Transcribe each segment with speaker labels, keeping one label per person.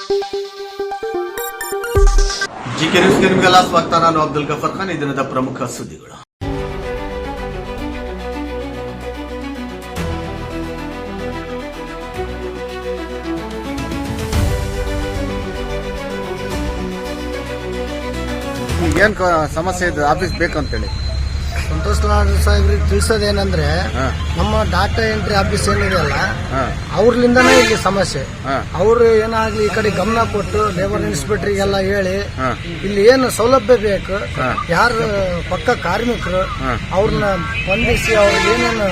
Speaker 1: GK ನ್ಯೂಸ್ಗೆ ನಿಮಗೆಲ್ಲ ಸ್ವಾಗತ. ನಾನು ಅಬ್ದುಲ್ ಗಫರ್ ಖಾನ್. ಈ ದಿನದ ಪ್ರಮುಖ ಸುದ್ದಿಗಳು.
Speaker 2: ಏನ್ ಸಮಸ್ಯೆ ಇದೆ ಆಫೀಸ್ ಬೇಕಂತೇಳಿ
Speaker 3: ಸಂತೋಷ್ ಲಾಡ್ ಸಾಹೇಬ್ರಿಗೆ ತಿಳಿಸೋದೇನಂದ್ರೆ ನಮ್ಮ ಡಾಟಾ ಎಂಟ್ರಿ ಆಫೀಸ್ ಏನಿದೆ ಅಲ್ಲ ಅವ್ರಲಿಂದನೇ ಇಲ್ಲಿ ಸಮಸ್ಯೆ. ಅವರು ಏನಾಗ್ಲಿ ಈ ಕಡೆ ಗಮನ ಕೊಟ್ಟು ಲೇಬರ್ ಇನ್ಸ್ಪೆಕ್ಟರ್ಗೆಲ್ಲ ಹೇಳಿ ಇಲ್ಲಿ ಏನು ಸೌಲಭ್ಯ ಬೇಕು, ಯಾರು ಪಕ್ಕ ಕಾರ್ಮಿಕರು ಅವ್ರನ್ನ ಬಂಧಿಸಿ ಅವ್ರಿಗೆ ಏನೇನು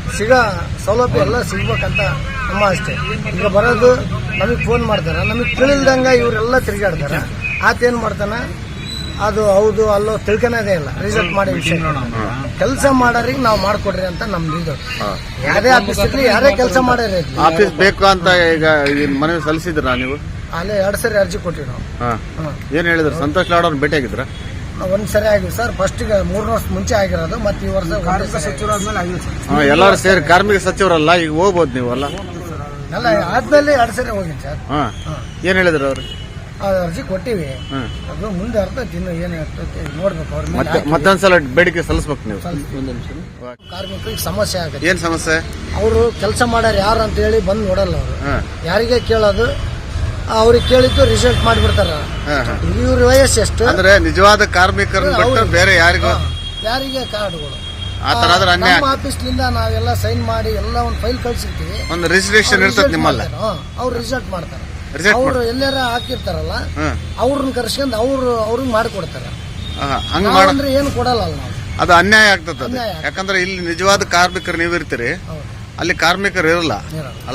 Speaker 3: ಸೌಲಭ್ಯ ಎಲ್ಲ ಸಿಗ್ಬೇಕಂತ ನಮ್ಮ ಅಷ್ಟೇ. ಈಗ ಬರೋದು ನಮಗ್ ಫೋನ್ ಮಾಡ್ತಾರ, ನಮಗ್ ತಿಳಿಲ್ದಂಗ ಇವರೆಲ್ಲ ತಿರುಗಾಡ್ತಾರ. ಆತೇನ್ ಮಾಡ್ತಾನ, ಅದು ಹೌದು ಅಲ್ಲೋ ತಿಳ್ಕೊಳೋದೇ ಇಲ್ಲ. ರಿಸಲ್ಟ್ ಮಾಡಿ ವಿಷಯ ಕೆಲಸ ಮಾಡೋರಿಗೆ ನಾವು ಮಾಡ್ಕೊಡ್ರಿ ಅಂತ ನಮ್ದು ಇದು. ಯಾರೇ ಆಫೀಸ್ ಇರ್ಲಿ, ಯಾರೇ ಕೆಲಸ ಮಾಡೋರಿ
Speaker 2: ಆಫೀಸ್ ಬೇಕು ಅಂತ ಈಗ ಮನವಿ ಸಲ್ಲಿಸಿದ್ರ ನೀವು?
Speaker 3: ಅಲ್ಲೇ 2 ಸರಿ ಅರ್ಜಿ ಕೊಟ್ಟಿವಿ ನಾವು.
Speaker 2: ಏನ್ ಹೇಳಿದ್ರು? ಸಂತೋಷ್ ಲಾಡ್ ಅವ್ರನ್ನ ಭೇಟಿ ಆಗಿದ್ರ?
Speaker 3: ಒಂದ್ ಸರಿ ಆಗಿವಿ ಸರ್. ಫಸ್ಟ್ 3 ವರ್ಷ ಮುಂಚೆ ಆಗಿರೋದು, ಮತ್ತೆ ಈ ವರ್ಷ ಕಾರ್ಮಿಕ ಸಚಿವರಾದ್ಮೇಲೆ ಆಗಿಲ್ಲ ಸರ್.
Speaker 2: ಎಲ್ಲಾರು ಸೇರಿ ಕಾರ್ಮಿಕ ಸಚಿವರಲ್ಲ, ಈಗ ಹೋಗ್ಬೋದು ನೀವು ಅಲ್ಲ?
Speaker 3: ಅಲ್ಲ, ಆದ್ಮೇಲೆ 2 ಸರಿ ಹೋಗಿನಿ ಸರ್.
Speaker 2: ಏನ್ ಹೇಳಿದ್ರು ಅವ್ರು?
Speaker 3: ಅರ್ಜಿ ಕೊಟ್ಟಿವಿ, ಅದು ಮುಂದೆ ಅರ್ಥೈತಿ, ಇನ್ನು ಏನ್ ಆಗ್ತೈತಿ ನೋಡ್ಬೇಕು. ಅವ್ರ
Speaker 2: ಮತ್ತೊಂದ್ಸಲ ಬೇಡಿಕೆ ಸಲ್ಲಿಸ್ಬೇಕು ನೀವು.
Speaker 3: ಕಾರ್ಮಿಕರಿಗೆ ಸಮಸ್ಯೆ ಆಗುತ್ತೆ.
Speaker 2: ಏನ್ ಸಮಸ್ಯೆ?
Speaker 3: ಅವರು ಕೆಲಸ ಮಾಡ್ಯಾರ ಯಾರು ಅಂತ ಹೇಳಿ ಬಂದು ನೋಡಲ್ಲ. ಅವರು ಯಾರಿಗೆ ಕೇಳೋದು, ಅವ್ರಿಗೆ ಕೇಳಿದ್ದು ರಿಸಲ್ಟ್ ಮಾಡಿಬಿಡ್ತಾರ. ಇವ್ರ ವಯಸ್ಸು ಎಷ್ಟು
Speaker 2: ಅಂದ್ರೆ ನಿಜವಾದ ಕಾರ್ಮಿಕರನ್ನ ಬಿಟ್ಟು ಬೇರೆ ಯಾರಿಗೂ
Speaker 3: ಯಾರಿಗೆ ಕಾರ್ಡ್ಗಳು
Speaker 2: ನಮ್ಮ
Speaker 3: ಆಫೀಸ್ಲಿಂದ ನಾವೆಲ್ಲ ಸೈನ್ ಮಾಡಿ ಎಲ್ಲ ಒಂದು ಫೈಲ್ ಕಳ್ಸಿರ್ತೀವಿ.
Speaker 2: ಒಂದು ರಿಜಿಸ್ಟ್ರೇಷನ್ ಇರ್ತದೆ ನಿಮ್ಮಲ್ಲ,
Speaker 3: ಅವ್ರು ರಿಸಲ್ಟ್ ಮಾಡ್ತಾರೆ. ಅವ್ರು ಎಲ್ಲಾರ ಹಾಕಿರ್ತಾರಲ್ಲ, ಅವ್ರನ್ನ ಕರ್ಸ್ಕೊಂಡ್ ಅವ್ರಿಗೆ ಮಾಡಿಕೊಡ್ತಾರ. ಅಂದ್ರೆ ಏನು ಕೊಡಲ್ಲ ನಾವು.
Speaker 2: ಅದು ಅನ್ಯಾಯ ಆಗ್ತದೆ. ಯಾಕಂದ್ರೆ ಇಲ್ಲಿ ನಿಜವಾದ ಕಾರ್ಮಿಕರು ನೀವು ಇರ್ತೀರಿ, ಅಲ್ಲಿ ಕಾರ್ಮಿಕರು ಇರಲ್ಲ ಅಲ್ಲ.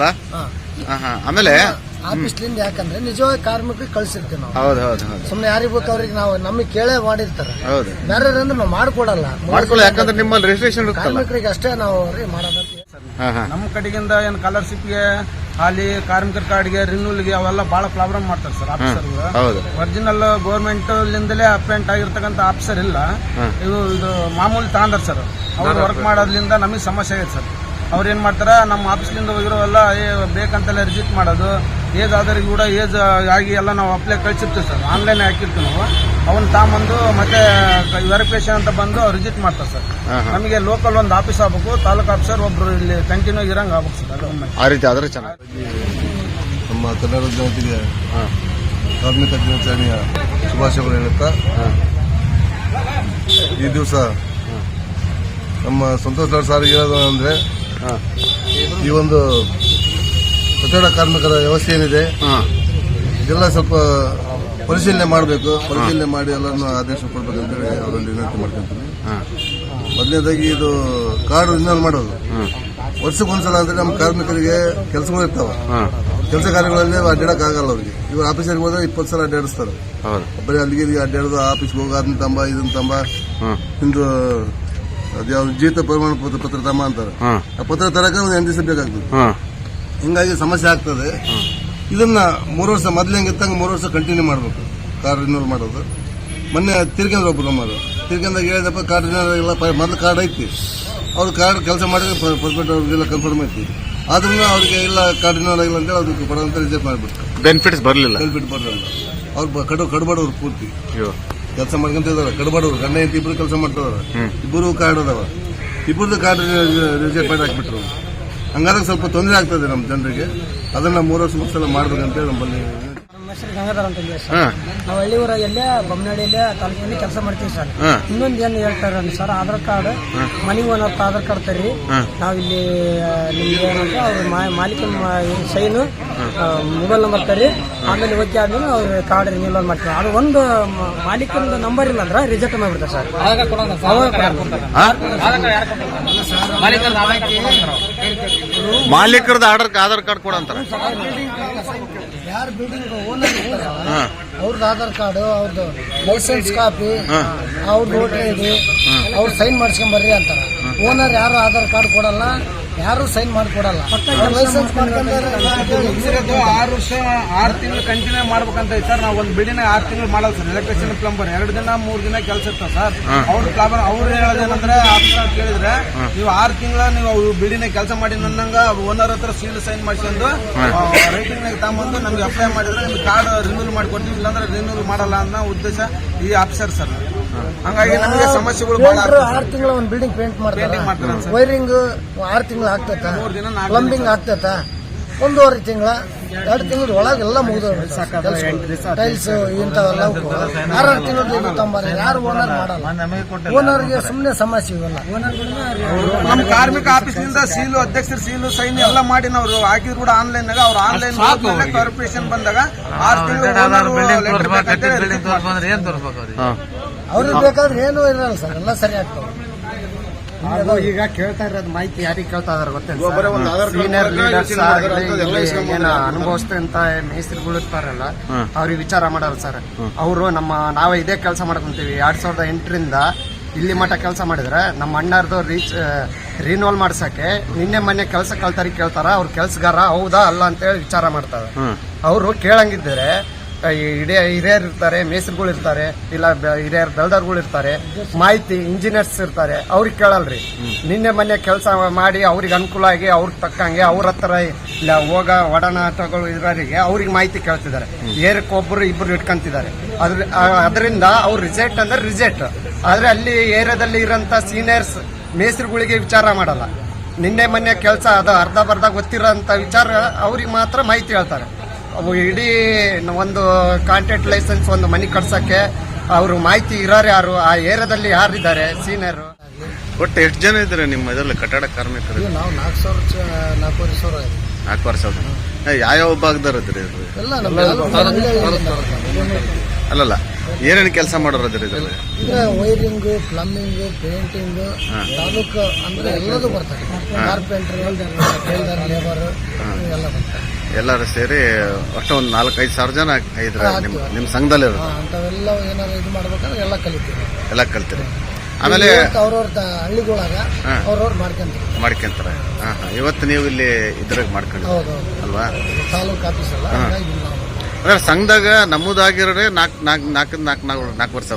Speaker 2: ಆಮೇಲೆ
Speaker 3: ಆಫೀಸ್ಲಿಂದ ಯಾಕಂದ್ರೆ ನಿಜವಾಗಿ ಕಾರ್ಮಿಕರಿಗೆ ಕಳ್ಸಿರ್ತೀವಿ ನಾವು.
Speaker 2: ಹೌದು.
Speaker 3: ಸುಮ್ನೆ ಯಾರಿಗ್ ಬೇಕು ಅವ್ರಿಗೆ ನಾವು ನಮಗೆ ಕೇಳೇ ಮಾಡಿರ್ತಾರೆ. ಬೇರೆ ಅಂದ್ರೆ ನಾವು ಮಾಡ್ಕೊಡಲ್ಲ.
Speaker 2: ಯಾಕಂದ್ರೆ ನಿಮ್ಮಲ್ಲಿ ರಿಜಿಸ್ಟ್ರೇಷನ್
Speaker 3: ಕಾರ್ಮಿಕರಿಗೆ ಅಷ್ಟೇ ನಾವು ಮಾಡೋದಂತ.
Speaker 4: ನಮ್ಮ ಕಡೆಗಿಂದ ಏನ್ ಸ್ಕಾಲರ್ಶಿಪ್ಗೆ ಅಲ್ಲಿ ಕಾರ್ಮಿಕರ ಕಾರ್ಡ್ಗೆ ರಿನ್ಯೂಲ್ಗೆ ಅವೆಲ್ಲ ಬಹಳ ಪ್ರಾಬ್ಲಮ್ ಮಾಡ್ತಾರೆ ಸರ್ ಆಫೀಸರ್. ಒರಿಜಿನಲ್ ಗೌರ್ಮೆಂಟ್ ಲಿಂದಲೇ ಅಪಾಯಿಂಟ್ ಆಗಿರ್ತಕ್ಕಂಥ ಆಫೀಸರ್ ಇಲ್ಲ. ಇದು ಮಾಮೂಲಿ ತಗೊಂಡಾರ ಸರ್. ಅವ್ರು ವರ್ಕ್ ಮಾಡೋದ್ರಿಂದ ನಮಗೆ ಸಮಸ್ಯೆ ಆಗಿದೆ ಸರ್. ಅವ್ರು ಏನ್ ಮಾಡ್ತಾರ, ನಮ್ಮ ಆಫೀಸ್ಲಿಂದ ಹೋಗಿರೋವೆಲ್ಲ ಬೇಕಂತೆಲ್ಲ ರಿಜಿಟ್ ಮಾಡೋದು, ಏಜ್ ಆದವ್ರಿಗೆ ಕೂಡ ಏಜ್ ಆಗಿ ಎಲ್ಲ ನಾವು ಅಪ್ಲೈ ಕಳ್ಸಿರ್ತೀವಿ ಸರ್. ಆನ್ಲೈನ್ ಹಾಕಿರ್ತೀವಿ ನಾವು. ಅವನ್ನ ತಾಂಬಂದು ಮತ್ತೆ ವೆರಿಫಿಕೇಶನ್ ಅಂತ ಬಂದು ಅವ್ರು ರಿಜಿಟ್ ಮಾಡ್ತಾರೆ ಸರ್. ನಮಗೆ ಲೋಕಲ್ ಒಂದು ಆಫೀಸ್ ಆಗ್ಬೇಕು, ತಾಲೂಕು ಆಫೀಸರ್ ಒಬ್ರು ಇಲ್ಲಿ ಕಂಟಿನ್ಯೂ ಇರಂಗ್ ಆಗ್ಬೇಕು ಸರ್.
Speaker 2: ಆ ರೀತಿ ಆದ್ರೆ ಚೆನ್ನಾಗಿ.
Speaker 5: ನಮ್ಮ ಕನ್ನಡ ಜನತೆಗೆ ಕಾರ್ಮಿಕ ದಿನಾಚರಣೆಯ ಶುಭಾಶಯಗಳು ಹೇಳುತ್ತಾ, ಈ ದಿವಸ ನಮ್ಮ ಸಂತೋಷ್ ಲಾಡ್ ಸಾರಿಗೆ ಹೇಳೋದು ಅಂದ್ರೆ, ಈ ಒಂದು ಕಟ್ಟಡ ಕಾರ್ಮಿಕರ ವ್ಯವಸ್ಥೆ ಏನಿದೆ ಇದೆಲ್ಲ ಸ್ವಲ್ಪ ಪರಿಶೀಲನೆ ಮಾಡಬೇಕು. ಪರಿಶೀಲನೆ ಮಾಡಿ ಎಲ್ಲರನ್ನು ಆದೇಶ ಕೊಡ್ಬೇಕಂತೇಳಿ ಅವರಲ್ಲಿ ವಿನಂತಿ ಮಾಡ್ಕೊಂತೀನಿ. ಮೊದಲನೇದಾಗಿ ಇದು ಕಾರ್ಡ್ ರಿನ್ಯೂವಲ್ ಮಾಡೋದು ವರ್ಷಕ್ಕೊಂದ್ಸಲ ಅಂದ್ರೆ ನಮ್ಮ ಕಾರ್ಮಿಕರಿಗೆ ಕೆಲಸಗಳು ಇರ್ತಾವ. ಕೆಲಸ ಕಾರ್ಯಗಳಲ್ಲಿ ಅಡ್ಡಾಡಕ್ಕಾಗಲ್ಲ ಅವ್ರಿಗೆ. ಇವ್ರ ಆಫೀಸರ್ಗೆ ಹೋದ್ರೆ 20 ಸಲ ಅಡ್ಡಾಡಿಸ್ತಾರೆ. ಬರೀ ಅಲ್ಲಿಗೆ ಅಡ್ಡಾಡೋದು, ಆಫೀಸ್ಗೆ ಹೋಗಿ ಅದನ್ನ ತಂಬ ಇದನ್ನ ತಂಬ, ಇಂದು ಅದ್ಯಾವ್ದು ಜೀತ ಪ್ರಮಾಣ ಪತ್ರ ತಮ್ಮ ಅಂತಾರೆ. ಆ ಪತ್ರ ತರಕ ಒಂದು 8 ದಿವಸ ಬೇಕಾಗ್ತದೆ. ಹಿಂಗಾಗಿ ಸಮಸ್ಯೆ ಆಗ್ತದೆ. ಇದನ್ನ 3 ವರ್ಷ ಮೊದ್ಲು ಹೆಂಗಿತ್ತಂಗ 3 ವರ್ಷ ಕಂಟಿನ್ಯೂ ಮಾಡಬೇಕು ಕಾರ್ಡ್ ರಿನ್ಯೂವಲ್ ಮಾಡೋದು. ಮೊನ್ನೆ ತಿರ್ಗಂದ್ರೆ ಒಬ್ರು ನಮ್ಮದು ತಿರ್ಗಂದಾಗ ಹೇಳಿದಪ್ಪ ಕಾರ್ಡ್ ರಿನ್ಯೂವಲ್ ಇಲ್ಲ, ಮೊದಲು ಕಾರ್ಡ್ ಐತಿ, ಅವ್ರ ಕಾರ್ಡ್ ಕೆಲಸ ಮಾಡಿದ್ರೆ ಪರ್ಫೆಕ್ಟ್ ಅವ್ರಿಗೆಲ್ಲ ಕನ್ಫರ್ಮ್ ಐತಿ. ಆದ್ರೂ ಅವ್ರಿಗೆ ಇಲ್ಲ ಕಾರ್ಡ್ ರಿನ್ಯೂವಲ್ ಆಗಿಲ್ಲ ಅಂತೇಳಿ ಅದಕ್ಕೆ ಬರೋಂತ ರಿಜೆಕ್ಟ್ ಮಾಡಿಬಿಟ್ಟು
Speaker 2: ಬೆನಿಫಿಟ್ಸ್ ಬರಲಿಲ್ಲ.
Speaker 5: ಅವ್ರು ಕಡ್ಬಾಡೋರು ಪೂರ್ತಿ ಕೆಲಸ ಮಾಡ್ಕೊಂತ ಇದಾರೆ. ಕಡ್ಬಾಡೋರು ಗಂಡ ಹೆಂಡತಿ ಇಬ್ರು ಕೆಲಸ ಮಾಡ್ತಿದಾರೆ. ಇಬ್ಬರು ಕಾರ್ಡ್ ಅದಾವ, ಇಬ್ಬರದ್ದು ಕಾರ್ಡ್ ರಿಜೆಕ್ಟ್ ಮಾಡಿ ಹಾಕ್ಬಿಟ್ರು. ಹಂಗಾದ್ರೆ ಸ್ವಲ್ಪ ತೊಂದರೆ ಆಗ್ತದೆ ನಮ್ಮ ಜನರಿಗೆ. ಅದನ್ನ 3 ವರ್ಷ ಮುಗಿಸಲ ಮಾಡ್ಬೇಕಂತೇಳಿ ನಮ್ಮಲ್ಲಿ.
Speaker 3: ಗಂಗಾಧರ್ ಅಂತ ನಾವು ಹಳ್ಳಿ ಊರಾಗೆಲ್ಲೇ ಬೊಮ್ಮನಹಳ್ಳಿಯಲ್ಲೇ ತಾಲೂಕಿನಲ್ಲಿ ಕೆಲಸ ಮಾಡ್ತೀವಿ ಸರ್. ಇನ್ನೊಂದು ಏನು ಹೇಳ್ತಾರೆ ಸರ್, ಆಧಾರ್ ಕಾರ್ಡ್ ಮನೆಗೆ ಒಂದತ್ತು ಆಧಾರ್ ಕಾರ್ಡ್ ತರ್ರಿ, ನಾವಿಲ್ಲಿ ನಿಮ್ಗೆ ಏನಂತ ಅವ್ರ ಮಾಲೀಕನ ಸೈನು ಮೊಬೈಲ್ ನಂಬರ್ ತರ್ರಿ, ಆಮೇಲೆ ಓಕೆ ಆದ್ಮೇಲೆ ಅವ್ರ ಕಾರ್ಡ್ ರಿನ್ಯೂವಲ್ ಮಾಡ್ತೀವಿ. ಅದು ಒಂದು ಮಾಲೀಕನ ನಂಬರ್ ಇಲ್ಲ ಅಂದ್ರೆ ರಿಜೆಕ್ಟ್ ಮಾಡ್ಬಿಡ್ತಾರೆ ಸರ್.
Speaker 2: ಮಾಲೀಕರದ ಆಧಾರ್ ಕಾರ್ಡ್ ಕೊಡಂತಾರೆ.
Speaker 3: ಯಾರು ಬಿಲ್ಡಿಂಗ್ ಓನರ್ ಅವ್ರದ್ದು ಆಧಾರ್ ಕಾರ್ಡು, ಅವ್ರದ್ದು ಲೈಸೆನ್ಸ್ ಕಾಪಿ, ಅವ್ರದ್ದು ವೋಟರ್ ಐಡಿ, ಅವ್ರು ಸೈನ್ ಮಾಡ್ಸ್ಕೊಂಬರ್ರಿ ಅಂತಾರ. ಓನರ್ ಯಾರು ಆಧಾರ್ ಕಾರ್ಡ್ ಕೊಡಲ್ಲ, ಯಾರು ಸೈನ್ ಮಾಡಿಕೊಡಲ್ಲ. ಲೈಸೆನ್ಸ್
Speaker 4: 6 ವರ್ಷ 6 ತಿಂಗಳು ಕಂಟಿನ್ಯೂ ಮಾಡ್ಬೇಕಂತ ಸರ್. ನಾವು ಒಂದು ಬಿಲ್ಡಿಂಗ್ 6 ತಿಂಗಳು ಮಾಡಲ್ಲ ಸರ್. ಎಲೆಕ್ಟ್ರಿಷಿಯನ್ ಪ್ಲಂಬರ್ 2 ದಿನ 3 ದಿನ ಕೆಲಸ ಇರ್ತಾವ ಸರ್. ಅವ್ರ ಪ್ಲಂಬರ್ ಅವ್ರು ಹೇಳೋದೇನಂದ್ರೆ ಆಫೀಸರ್ ಕೇಳಿದ್ರೆ, ನೀವು 6 ತಿಂಗಳ ನೀವು ಬಿಲ್ಡಿಂಗ್ ಕೆಲಸ ಮಾಡಿ ನನ್ನಂಗ ಓನರ್ ಹತ್ರ ಸೀಲ್ ಸೈನ್ ಮಾಡ್ಕೊಂಡು ರೈಟಿಂಗ್ ತಗೊಂಬಂದು ನಮ್ಗೆ ಅಪ್ಲೈ ಮಾಡಿದ್ರೆ ನಿಮ್ಗೆ ಕಾರ್ಡ್ ರಿನ್ಯೂಲ್ ಮಾಡಿಕೊಡ್ತೀವಿ, ಇಲ್ಲಾಂದ್ರೆ ರಿನ್ಯೂಲ್ ಮಾಡಲ್ಲ ಅನ್ನೋ ಉದ್ದೇಶ ಈ ಆಫೀಸರ್ ಸರ್. ಹಂಗಾಗಿ ನಮಗೆ ಸಮಸ್ಯೆಗಳು ಬಹಳ
Speaker 3: 6 ತಿಂಗಳ ಒಂದು ಬಿಲ್ಡಿಂಗ್ ಪೇಂಟ್ ಮಾಡ್ತಾರೆ, ವೈರಿಂಗ್ 6 ತಿಂಗಳು ಆಗ್ತೈತ, ಪ್ಲಂಬಿಂಗ್ ಆಗ್ತೈತ, 1.5 ತಿಂಗಳ 2 ತಿಂಗಳ ಒಳಗೆಲ್ಲ ಮುಗಿದ ಟೈಲ್ಸ್ ಇಂಥವೆಲ್ಲ 6 ತಿಂಗಳು ತಂಬಾರೆ. ಯಾರು ಓನರ್ ಮಾಡಲ್ಲ, ಓನರ್ಗೆ ಸುಮ್ಮನೆ ಸಮಸ್ಯೆ ಇವೆಲ್ಲ.
Speaker 4: ನಮ್ಮ ಕಾರ್ಮಿಕ ಆಫೀಸ್ನಿಂದ ಸೀಲು, ಅಧ್ಯಕ್ಷರ ಸೀಲು, ಸೈನ್ ಎಲ್ಲ ಮಾಡಿ ನಾವು ಹಾಕಿದ್ರು ಕೂಡ ಆನ್ಲೈನ್ ನಾಗ ಅವ್ರು ಆನ್ಲೈನ್ ಕಾರ್ಪೊರೇಷನ್ ಬಂದಾಗ 6 ತಿಂಗಳು
Speaker 3: ಅವ್ರಿಗೆ ಬೇಕಾದ್ರೆ ಏನೂ ಇರಲ್ಲ ಸರ್, ಎಲ್ಲ ಸರಿ ಆಗ್ತವೆ.
Speaker 6: ಈಗ ಕೇಳ್ತಾ ಇರೋದು ಮಾಹಿತಿ ಯಾರಿಗೆ ಕೇಳ್ತಾ ಇದಾರೆ ಗೊತ್ತಿಲ್ಲ, ಸೀನಿಯರ್ ಲೀಡರ್ಸ್ ಏನು ಅನುಭವಿಸ್ತಂತ ಮೇಸ್ತ್ರಿಗಳು ಇರ್ತಾರಲ್ಲ ಅವ್ರಿಗೆ ವಿಚಾರ ಮಾಡೋರು ಸರ್. ಅವರು ನಾವೇ ಇದೇ ಕೆಲಸ ಮಾಡ್ಕೊಂತೀವಿ 2008ರಿಂದ ಇಲ್ಲಿ ಮಟ್ಟ ಕೆಲಸ ಮಾಡಿದ್ರೆ ನಮ್ಮ ಅಣ್ಣಾರ್ದು ರಿನ್ಯೂವಲ್ ಮಾಡ್ಸಕ್ಕೆ ನಿನ್ನೆ ಮೊನ್ನೆ ಕೆಲಸ ಕಳ್ತಾರಿಗೆ ಕೇಳ್ತಾರ, ಅವ್ರ ಕೆಲ್ಸಗಾರ ಹೌದಾ ಅಲ್ಲ ಅಂತೇಳಿ ವಿಚಾರ ಮಾಡ್ತಾರೆ. ಅವರು ಕೇಳಂಗಿದ್ದಾರೆ, ಹಿರಿಯರು ಇರ್ತಾರೆ, ಮೇಸ್ತ್ರಿಗಳು ಇರ್ತಾರೆ, ಇಲ್ಲ ಹಿರಿಯರ್ ಬೆಲ್ಡರ್ಗಳು ಇರ್ತಾರೆ, ಮಾಹಿತಿ ಇಂಜಿನಿಯರ್ಸ್ ಇರ್ತಾರೆ, ಅವ್ರಿಗೆ ಕೇಳಲ್ರಿ. ನಿನ್ನೆ ಮೊನ್ನೆ ಕೆಲಸ ಮಾಡಿ ಅವ್ರಿಗೆ ಅನುಕೂಲ ಆಗಿ ಅವ್ರಿಗೆ ತಕ್ಕಂಗೆ ಅವ್ರ ಹತ್ರ ಇಲ್ಲ ಹೋಗ ಒಡನಾಟಗಳು ಇರೋರಿಗೆ ಅವ್ರಿಗೆ ಮಾಹಿತಿ ಕೇಳ್ತಿದ್ದಾರೆ. ಏರಕ್ಕೊಬ್ಬರು ಇಬ್ಬರು ಇಟ್ಕೊಂತಿದ್ದಾರೆ. ಅದರಿಂದ ಅವ್ರು ರಿಜೆಕ್ಟ್ ಅಂದ್ರೆ ರಿಜೆಕ್ಟ್. ಆದ್ರೆ ಅಲ್ಲಿ ಏರಿಯಾದಲ್ಲಿ ಇರೋಂಥ ಸೀನಿಯರ್ಸ್ ಮೇಸ್ತ್ರಿಗಳಿಗೆ ವಿಚಾರ ಮಾಡಲ್ಲ. ನಿನ್ನೆ ಮೊನ್ನೆ ಕೆಲಸ ಅದು ಅರ್ಧ ಬರ್ಧ ಗೊತ್ತಿರೋಂಥ ವಿಚಾರ ಅವ್ರಿಗೆ ಮಾತ್ರ ಮಾಹಿತಿ ಹೇಳ್ತಾರೆ. ಅವು ಇಡೀ ಒಂದು ಕಾಂಟ್ರಾಕ್ಟ್ ಲೈಸೆನ್ಸ್ ಒಂದು ಮನೆ ಕಟ್ಸಕ್ಕೆ ಅವರು ಮಾಹಿತಿ ಇರೋರು ಯಾರು, ಆ ಏರಿಯಾದಲ್ಲಿ ಯಾರಿದ್ದಾರೆ ಸೀನಿಯರ್.
Speaker 2: ಒಟ್ಟು ಎಷ್ಟು ಜನ ಇದ್ದಾರೆ ನಿಮ್ಮ ಇದರಲ್ಲಿ ಕಟ್ಟಡ ಕಾರ್ಮಿಕರು?
Speaker 3: ನಾವು 4,000
Speaker 2: 4,000. ಯಾವ ಭಾಗದವ್ರು ಇದ್ರಿ?
Speaker 3: ಎಲ್ಲ
Speaker 2: ಅಲ್ಲಲ್ಲ, ಏನೇನು ಕೆಲಸ ಮಾಡೋರು ಇದ್ರಿ ಇದರಲ್ಲಿ?
Speaker 3: ವೈರಿಂಗ್, ಪ್ಲಂಬಿಂಗ್, ಪೇಂಟಿಂಗ್, ತಾಲೂಕು ಅಂದ್ರೆ ಎಲ್ಲದೂ ಬರ್ತಾರೆ. ಕಾರ್ಪೆಂಟರ್, ಟೈಲರ್, ಲೇಬರ್ ಎಲ್ಲ ಬರ್ತಾರೆ.
Speaker 2: ಎಲ್ಲರೂ ಸೇರಿ ಒಟ್ಟು ಒಂದು 4-5 ಸಾವಿರ ಜನ ಇದ್ರೆ ನಿಮ್ಮ ಸಂಘದಲ್ಲಿ
Speaker 3: ಅಂತವೆಲ್ಲ ಏನಾದ್ರು ಇದು ಮಾಡ್ಬೇಕಂದ್ರೆ ಎಲ್ಲ ಕಲಿತೀವಿ,
Speaker 2: ಎಲ್ಲ ಕಲ್ತೀರಿ. ಆಮೇಲೆ
Speaker 3: ಅವ್ರವ್ರ ಹಳ್ಳಿಗಳಾಗ ಅವ್ರವ್ರು
Speaker 2: ಮಾಡ್ಕೊಂತಾರೆ. ಇವತ್ತು ನೀವು ಇಲ್ಲಿ ಇದ್ರಾಗ ಮಾಡ್ಕೊಂಡು ಅಲ್ವಾ
Speaker 3: ತಾಲೂಕು ಆಫೀಸ್ ಅಲ್ಲ.
Speaker 2: ಅಂದ್ರೆ ಸಂಘದಾಗ ನಮ್ಮದಾಗಿರೋರೆ 4 ವರ್ಷ.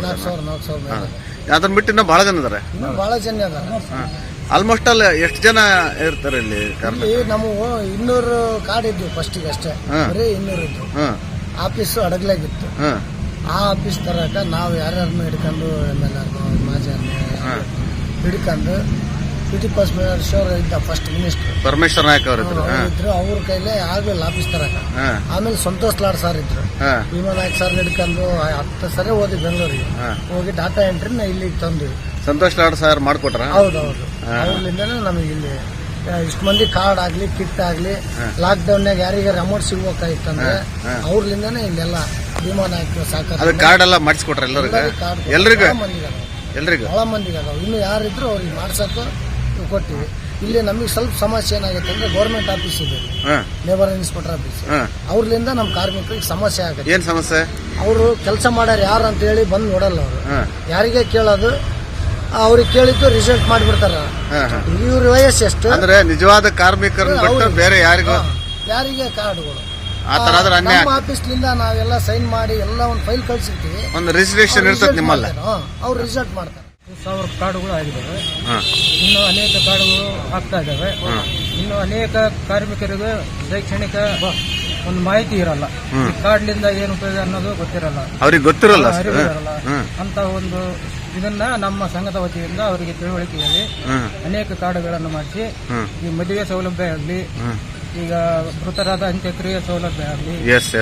Speaker 2: ಅದನ್ನ ಬಿಟ್ಟು ಇನ್ನೂ ಬಹಳ ಜನ ಇದಾರೆ.
Speaker 3: ಬಹಳ ಜನ ಅದಾರೆ.
Speaker 2: ಆಲ್ಮೋಸ್ಟ್ ಅಲ್ಲಿ ಎಷ್ಟು ಜನ ಇರ್ತಾರೆ ಇಲ್ಲಿ?
Speaker 3: ನಮ್ಮ 200 ಕಾರ್ಡ್ ಇದ್ವು ಫಸ್ಟಿಗೆ ಅಷ್ಟೇ, ಬರೀ 200 ಇದ್ವು. ಆಫೀಸ್ ಅಡಗ್ಲಾಗಿತ್ತು. ಆ ಆಫೀಸ್ ತರಕ ನಾವು ಯಾರ್ಯಾರನ್ನು ಹಿಡ್ಕೊಂಡು MLA ಮಾಜಿ ಹಿಡ್ಕೊಂಡು PT ಪರಮೇಶ್ವರ್ ಇದ್ದ ಫಸ್ಟ್ ಮಿನಿಸ್ಟರ್,
Speaker 2: ಪರಮೇಶ್ವರ್ ನಾಯಕ್ ಅವರು
Speaker 3: ಇದ್ರು. ಅವ್ರ ಕೈಲೇ ಆಗ್ಲಿಲ್ಲ ಆಫೀಸ್ ತರಕ. ಆಮೇಲೆ ಸಂತೋಷ್ ಲಾಡ್ ಸರ್ ಇದ್ರು, ಭೀಮಾ ನಾಯಕ್ ಸರ್ ಹಿಡ್ಕೊಂಡು 10 ಸರಿ ಹೋದ್ವಿ ಬೆಂಗಳೂರಿಗೆ. ಹೋಗಿ ಡಾಟಾ ಎಂಟ್ರಿನ ಇಲ್ಲಿಗೆ ತಂದ್ವಿ.
Speaker 2: ಸಂತೋಷ್ ಲಾಡ್ ಸರ್ ಮಾಡ್ಕೊಟ್ರ?
Speaker 3: ಹೌದೌದು, ಅವ್ರಲಿಂದನೇ ನಮಗೆ ಇಲ್ಲಿ ಇಷ್ಟು ಮಂದಿ ಕಾರ್ಡ್ ಆಗ್ಲಿ, ಕಿಟ್ ಆಗ್ಲಿ, ಲಾಕ್ ಡೌನ್ನಾಗ ಯಾರಿಗಾರ ಅಮೌಂಟ್ ಸಿಗ್ಬೇಕಾಯ್ತಂದ್ರೆ ಅವ್ರಲಿಂದನೇ ಇಲ್ಲೆಲ್ಲ ಭೀಮಾ ನಾಯಕ್ ಸಾಕಾರ
Speaker 2: ಕಾರ್ಡ್ ಎಲ್ಲ ಮಾಡಿಸ್ಕೊಟ್ರ ಎಲ್ರಿಗೂ?
Speaker 3: ಬಹಳ ಮಂದಿಗೆ ಅದಾವ. ಇನ್ನು ಯಾರಿದ್ರು ಅವ್ರಿಗೆ ಮಾಡ್ಸಕ್ಕೆ ಕೊಟ್ಟಿವಿ. ಇಲ್ಲಿ ನಮಗೆ ಸ್ವಲ್ಪ ಸಮಸ್ಯೆ ಏನಾಗುತ್ತೆ ಅಂದ್ರೆ ಗೌರ್ಮೆಂಟ್ ಆಫೀಸ್ ಇದೆ, ಲೇಬರ್ ಇನ್ಸ್ಪೆಕ್ಟರ್ ಆಫೀಸ್. ಅವ್ರಲಿಂದ ನಮ್ಮ ಕಾರ್ಮಿಕರಿಗೆ ಸಮಸ್ಯೆ ಆಗುತ್ತೆ.
Speaker 2: ಏನ್ ಸಮಸ್ಯೆ? ಅವರು
Speaker 3: ಕೆಲಸ ಮಾಡ್ಯಾರ ಯಾರು ಅಂತ ಹೇಳಿ ಬಂದು ನೋಡಲ್ಲ. ಅವರು ಯಾರಿಗೆ ಕೇಳೋದು, ಅವ್ರಿಗೆ ಕೇಳಿದ್ದು ರಿಸಲ್ಟ್ ಮಾಡಿಬಿಡ್ತಾರ. ಇವ್ರ ವಯಸ್ಸು ಎಷ್ಟು
Speaker 2: ಅಂದ್ರೆ ನಿಜವಾದ ಕಾರ್ಮಿಕರು ಬೇರೆ ಯಾರಿಗೂ
Speaker 3: ಯಾರಿಗೆ ಕಾರ್ಡ್ಗಳು
Speaker 2: ನಮ್ಮ
Speaker 3: ಆಫೀಸ್ಲಿಂದ ನಾವೆಲ್ಲ ಸೈನ್ ಮಾಡಿ ಎಲ್ಲ ಒಂದು ಫೈಲ್ ಕಳ್ಸಿರ್ತೀವಿ.
Speaker 2: ಒಂದು ರಿಜಿಸ್ಟ್ರೇಷನ್ ಇರ್ತದೆ ನಿಮ್ಮಲ್ಲ,
Speaker 3: ಅವ್ರು ರಿಸಲ್ಟ್ ಮಾಡ್ತಾರೆ.
Speaker 6: 1000 ಕಾರ್ಡ್ಗಳು ಆಗಿದ್ದಾವೆ. ಇನ್ನು ಅನೇಕ ಕಾರ್ಡ್ಗಳು ಆಗ್ತಾ ಇದ್ದಾವೆ. ಇನ್ನು ಅನೇಕ ಕಾರ್ಮಿಕರಿಗೆ ಶೈಕ್ಷಣಿಕ ಒಂದು ಮಾಹಿತಿ ಇರಲ್ಲ. ಈ ಕಾರ್ಡ್ಲಿಂದ ಏನು ಉಪಯೋಗ ಅನ್ನೋದು ಗೊತ್ತಿರಲ್ಲ,
Speaker 2: ಅವ್ರಿಗೆ ಗೊತ್ತಿರಲ್ಲ.
Speaker 6: ಅಂತ ಒಂದು ಇದನ್ನ ನಮ್ಮ ಸಂಘದ ವತಿಯಿಂದ ಅವರಿಗೆ ತಿಳುವಳಿಕೆ ಹೇಳಿ ಅನೇಕ ಕಾರ್ಡ್ಗಳನ್ನು ಮಾಡಿಸಿ ಈ ಮದುವೆ ಸೌಲಭ್ಯ ಆಗಲಿ, ಈಗ ಮೃತರಾದ ಅಂತ್ಯಕ್ರಿಯೆ ಸೌಲಭ್ಯ ಆಗಲಿ,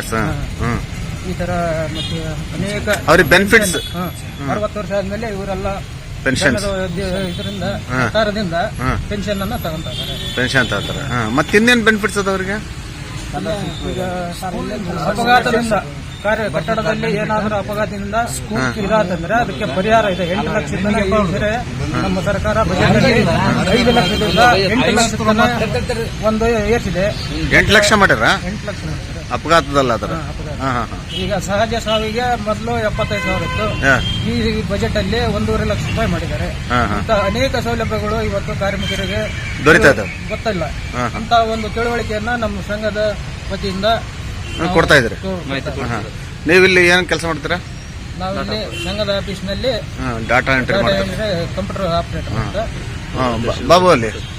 Speaker 6: ಈ ತರ ಮತ್ತೆ ಅನೇಕ
Speaker 2: ಅವ್ರಿಗೆ ಬೆನಿಫಿಟ್ಸ್
Speaker 6: 60 ವರ್ಷ ಆದ್ಮೇಲೆ ಇವರೆಲ್ಲ ಇದರಿಂದ ಸರ್ಕಾರದಿಂದ ಪೆನ್ಷನ್ ಅನ್ನ ತಗೊಂತಾರೆ.
Speaker 2: ಮತ್ತೆ ಇನ್ನೇನು ಬೆನಿಫಿಟ್ಸ್ ಅದ ಅವ್ರಿಗೆ?
Speaker 6: ಈಗ ಅಪಘಾತದಿಂದ ಕಟ್ಟಡದಲ್ಲಿ ಏನಾದರೂ ಅಪಘಾತದಿಂದ ಇರಾತಂದ್ರೆ ಅದಕ್ಕೆ ಪರಿಹಾರ ಇದೆ. 8 ಲಕ್ಷದಿಂದ ನಮ್ಮ ಸರ್ಕಾರ ಬಜೆಟ್ 5 ಲಕ್ಷದಿಂದ 8 ಲಕ್ಷ ಒಂದು ಏರ್ಸಿದೆ.
Speaker 2: 8 ಲಕ್ಷ ಮಾಡ್ಯಾರ
Speaker 6: 8 ಲಕ್ಷ
Speaker 2: ಅಪಘಾತದಲ್ಲ ಅದರ.
Speaker 6: ಈಗ ಸಹಜ ಸಾವಿಗೆ ಮೊದಲು 75,000 ಇತ್ತು. ಈ ಬಜೆಟ್ ಅಲ್ಲಿ 1.5 ಲಕ್ಷ ರೂಪಾಯಿ ಮಾಡಿದ್ದಾರೆ. ಅಂತ ಅನೇಕ ಸೌಲಭ್ಯಗಳು ಇವತ್ತು ಕಾರ್ಮಿಕರಿಗೆ ಗೊತ್ತಿಲ್ಲ. ಅಂತ ಒಂದು ತಿಳುವಳಿಕೆಯನ್ನ ನಮ್ಮ ಸಂಘದ ವತಿಯಿಂದ
Speaker 2: ಕೊಡ್ತಾ ಇದ್ರಿ. ನೀವಿಲ್ಲಿ ಏನ್ ಕೆಲಸ ಮಾಡ್ತೀರಾ?
Speaker 6: ನಾವಿಲ್ಲಿ ಸಂಘದ ಆಫೀಸ್ನಲ್ಲಿ
Speaker 2: ಡಾಟಾ ಎಂಟ್ರಿ
Speaker 6: ಕಂಪ್ಯೂಟರ್ ಆಪರೇಟರ್ ಅಂತ.
Speaker 2: ಬಾಬು ಅಲ್ಲಿ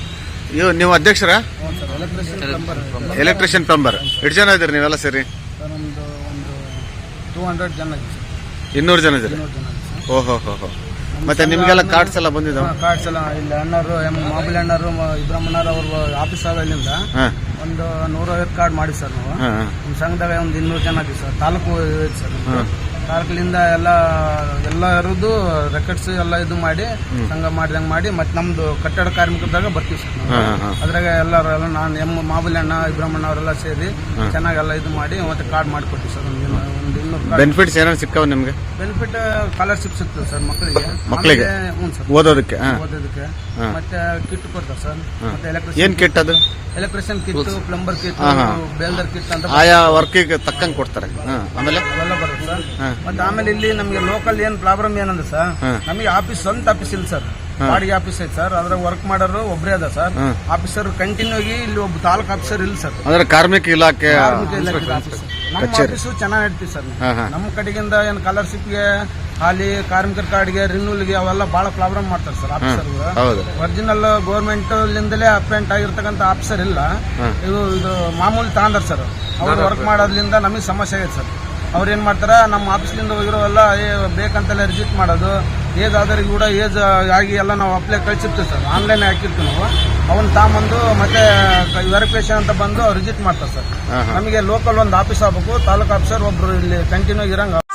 Speaker 2: ನೀವು ಅಧ್ಯಕ್ಷರ
Speaker 4: ಹ್ಞೂ sir electrician number
Speaker 2: electrician plumber ಎಷ್ಟು ಜನ ಇದ್ದೀರಿ ನೀವೆಲ್ಲ ಸೇರಿ?
Speaker 4: ಸರ್ ನಮ್ಮದು ಒಂದು 200 ಜನ ಇದೆ ಸರ್.
Speaker 2: 200 ಜನ ಇದ್ದೀರಿ.
Speaker 4: 200 ಜನ ಇದೆ ಸರ್.
Speaker 2: ಓಹೋ ಹೋ ಹೋ. ಮತ್ತೆ ನಿಮ್ಗೆಲ್ಲ ಕಾರ್ಡ್ಸ್ ಎಲ್ಲ ಬಂದಿದ್ದಾವ?
Speaker 4: ಕಾರ್ಡ್ಸ್ ಎಲ್ಲ ಇಲ್ಲಿ ಅಣ್ಣರು ಮಾಮೂಲಿ ಅಣ್ಣರು ಇಬ್ರಹ್ಮಣ್ಣರು ಅವ್ರ ಆಫೀಸ್ ಇಲ್ಲಿಂದ ಒಂದು 150 ಕಾರ್ಡ್ ಮಾಡಿ ಸರ್ ನಾವು. ನಮ್ಮ ಸಂಘದಾಗ ಒಂದು 200 ಜನ ಇದೀವಿ ಸರ್. ತಾಲೂಕು ಇದೆ ಸರ್. ತಾಲೂಕಿನಿಂದ ಎಲ್ಲರದ್ದು ರೆಕಾರ್ಡ್ಸ್ ಎಲ್ಲ ಇದು ಮಾಡಿ ಸಂಘ ಮಾಡಿದಂಗೆ ಮಾಡಿ ಮತ್ತೆ ನಮ್ದು ಕಟ್ಟಡ ಕಾರ್ಮಿಕದಾಗ ಬರ್ತೀವಿ ಸರ್ ನಾವು. ಅದ್ರಾಗ ಎಲ್ಲರೂ ಎಲ್ಲ ನಾನು ಮಾಮೂಲಿ ಅಣ್ಣ ಇಬ್ರಹ್ಮಣ್ಣ ಅವರೆಲ್ಲ ಸೇರಿ ಚೆನ್ನಾಗೆಲ್ಲ ಇದು ಮಾಡಿ ಮತ್ತೆ ಕಾರ್ಡ್ ಮಾಡಿಕೊಡ್ತೀವಿ ಸರ್. ಒಂದು 200
Speaker 2: ಬೆನಿಫಿಟ್ಸ್ ಏನಾದ್ರು ಸಿಕ್ಕಾವ ನಿಮ್ಗೆ?
Speaker 4: ಬೆನಿಫಿಟ್ ಸ್ಕಾಲರ್ಶಿಪ್ ಸಿಗ್ತದೆ ಸರ್ ಮಕ್ಕಳಿಗೆ. ಹ್ಞೂ ಸರ್,
Speaker 2: ಓದೋದಕ್ಕೆ
Speaker 4: ಓದೋದಕ್ಕೆ ಮತ್ತೆ ಕಿಟ್ ಕೊಡ್ತಾರೆ ಸರ್. ಮತ್ತೆ
Speaker 2: ಏನ್ ಕಿಟ್ ಅದು?
Speaker 4: ಎಲೆಕ್ಟ್ರಿಷಿಯನ್ ಕಿಟ್, ಪ್ಲಂಬರ್ ಕಿಟ್, ಬೇಲ್ದರ್ ಕಿಟ್ ಅಂತ
Speaker 2: ಆಯಾ ವರ್ಕಿಗೆ ತಕ್ಕಂಗೆ ಕೊಡ್ತಾರೆ. ಆಮೇಲೆ
Speaker 4: ಅವೆಲ್ಲ ಬರುತ್ತೆ ಸರ್. ಮತ್ತೆ ಆಮೇಲೆ ಇಲ್ಲಿ ನಮಗೆ ಲೋಕಲ್ ಏನ್ ಪ್ರಾಬ್ಲಮ್ ಏನಂದ್ರೆ ಸರ್, ನಮಗೆ ಆಫೀಸ್ ಸ್ವಂತ ಆಫೀಸ್ ಇಲ್ಲ ಸರ್, ಬಾಡಿಗೆ ಆಫೀಸ್ ಐತೆ ಸರ್. ಅದ್ರಾಗ ವರ್ಕ್ ಮಾಡೋರು ಒಬ್ಬರೇ ಅದ ಸರ್. ಆಫೀಸರ್ ಕಂಟಿನ್ಯೂ ಆಗಿ ಇಲ್ಲಿ ಒಬ್ಬ ತಾಲೂಕು ಆಫೀಸರ್ ಇಲ್ಲ ಸರ್.
Speaker 2: ಅಂದ್ರೆ ಕಾರ್ಮಿಕ ಇಲಾಖೆ
Speaker 4: ನಮ್ಮ ಆಫೀಸು ಚೆನ್ನಾಗಿ ನಡೀತೀವಿ ಸರ್. ನಮ್ಮ ಕಡೆಗಿಂದ ಏನ್ ಸ್ಕಾಲರ್ಶಿಪ್ಗೆ, ಹಾಲಿ ಕಾರ್ಮಿಕರ ಕಾರ್ಡ್ಗೆ, ರಿನ್ಯೂಲ್ಗೆ ಅವೆಲ್ಲ ಬಹಳ ಪ್ರಾಬ್ಲಮ್ ಮಾಡ್ತಾರೆ ಸರ್ ಆಫೀಸರ್. ಒರಿಜಿನಲ್ ಗೌರ್ಮೆಂಟ್ ಲಿಂದಲೇ ಅಪಾಯಿಂಟ್ ಆಗಿರ್ತಕ್ಕಂಥ ಆಫೀಸರ್ ಇಲ್ಲ. ಇದು ಮಾಮೂಲಿ ತಗೊಂಡಾರ ಸರ್. ಅವ್ರು ವರ್ಕ್ ಮಾಡೋದ್ರಿಂದ ನಮಗೆ ಸಮಸ್ಯೆ ಆಗಿದೆ ಸರ್. ಅವ್ರು ಏನ್ ಮಾಡ್ತಾರ, ನಮ್ಮ ಆಫೀಸ್ಲಿಂದ ಹೋಗಿರೋವೆಲ್ಲ ಬೇಕಂತೆಲ್ಲ ರಿಜಿಟ್ ಮಾಡೋದು, ಏಜ್ ಆದವ್ರಿಗೆ ಕೂಡ ಏಜ್ ಆಗಿ ಎಲ್ಲ ನಾವು ಅಪ್ಲೈ ಕಳಿಸಿರ್ತೀವಿ ಸರ್. ಆನ್ಲೈನ್ ಹಾಕಿರ್ತೀವಿ ನಾವು. ಅವನ್ನ ತಾಂಬಂದು ಮತ್ತೆ ವೆರಿಫಿಕೇಶನ್ ಅಂತ ಬಂದು ಅವ್ರು ರಿಜಿಟ್ ಮಾಡ್ತಾರೆ ಸರ್. ನಮಗೆ ಲೋಕಲ್ ಒಂದು ಆಫೀಸ್ ಆಗ್ಬೇಕು, ತಾಲೂಕು ಆಫೀಸರ್ ಒಬ್ರು ಇಲ್ಲಿ ಕಂಟಿನ್ಯೂ ಇರಂಗ